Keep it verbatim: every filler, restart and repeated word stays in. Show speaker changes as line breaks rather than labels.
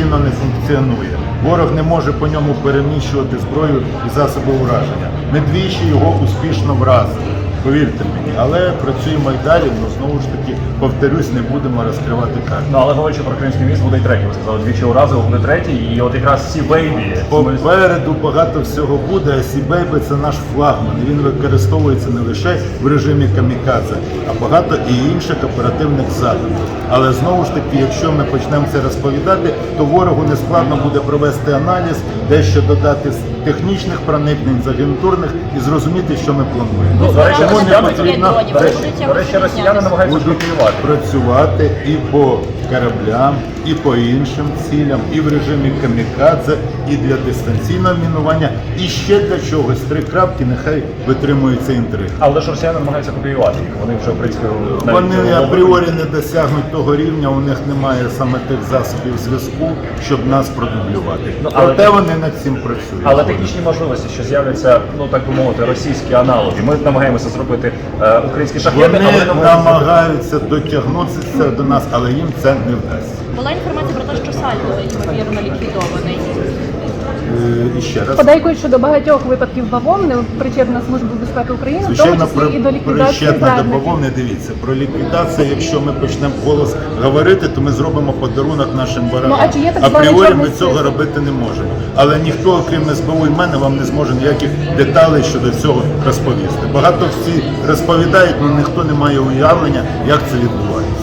повноцінно не функціонує. Ворог не може по ньому переміщувати зброю і засоби ураження. Ми двічі його успішно вразили. Повірте мені, але працюємо і далі, але знову ж таки, повторюсь, не будемо розкривати карти.
Ну, але говорячи про Кримський міст, буде і третій, ви сказали, двічі уразили, буде третій, і от якраз Сі Бейбі.
Попереду багато всього буде, а Сі Бейбі – це наш флагман, і він використовується не лише в режимі камікадзе, а багато і інших оперативних заходів. Але знову ж таки, якщо ми почнемо це розповідати, то ворогу не складно буде провести аналіз, дещо додати з технічних проникнень, з агентурних і зрозуміти, що ми плануємо.
Ну, до речі,
Тому не
росіяни,
потрібно
до речі, до речі, росіяни намагаються
будуть
шпакувати.
працювати і по кораблям, і по іншим цілям, і в режимі камікадзе, і для дистанційного мінування, і ще для чогось. Три крапки, нехай витримуються інтриги.
Але ж росіяни намагаються копіювати їх, вони вже, в принципі, навіть
Вони
не
апріорі не досягнуть того рівня, у них немає саме тих засобів зв'язку, щоб нас продублювати.
Ну, але
Проте
ти-
вони над цим працюють.
Але технічні можливості, що з'являться, ну так би мовити, російські аналоги. Ми намагаємося зробити е, українські шахеди,
Вони
але намагаються
намагаються дотягнутися до нас, але їм це не вдасться.
Була інформація про те, що Сальдо, ймовірно, ліквідований.
Е, І ще раз.
Подейкують, що до багатьох випадків бавовни причетна Служба безпеки України, в тому
Звичайно,
числі і до ліквідації
причетна до
зрадників.
бавовни. Дивіться, про ліквідацію, якщо ми почнемо голос говорити, то ми зробимо подарунок нашим ворогам.
Ну, а чи є так званий
апріорі
чорний
ми цього
список?
робити не можемо. Але ніхто, окрім ес бе у і мене, вам не зможе ніяких деталей щодо цього розповісти. Багато всі розповідають, але ніхто не має уявлення, як це відбувається.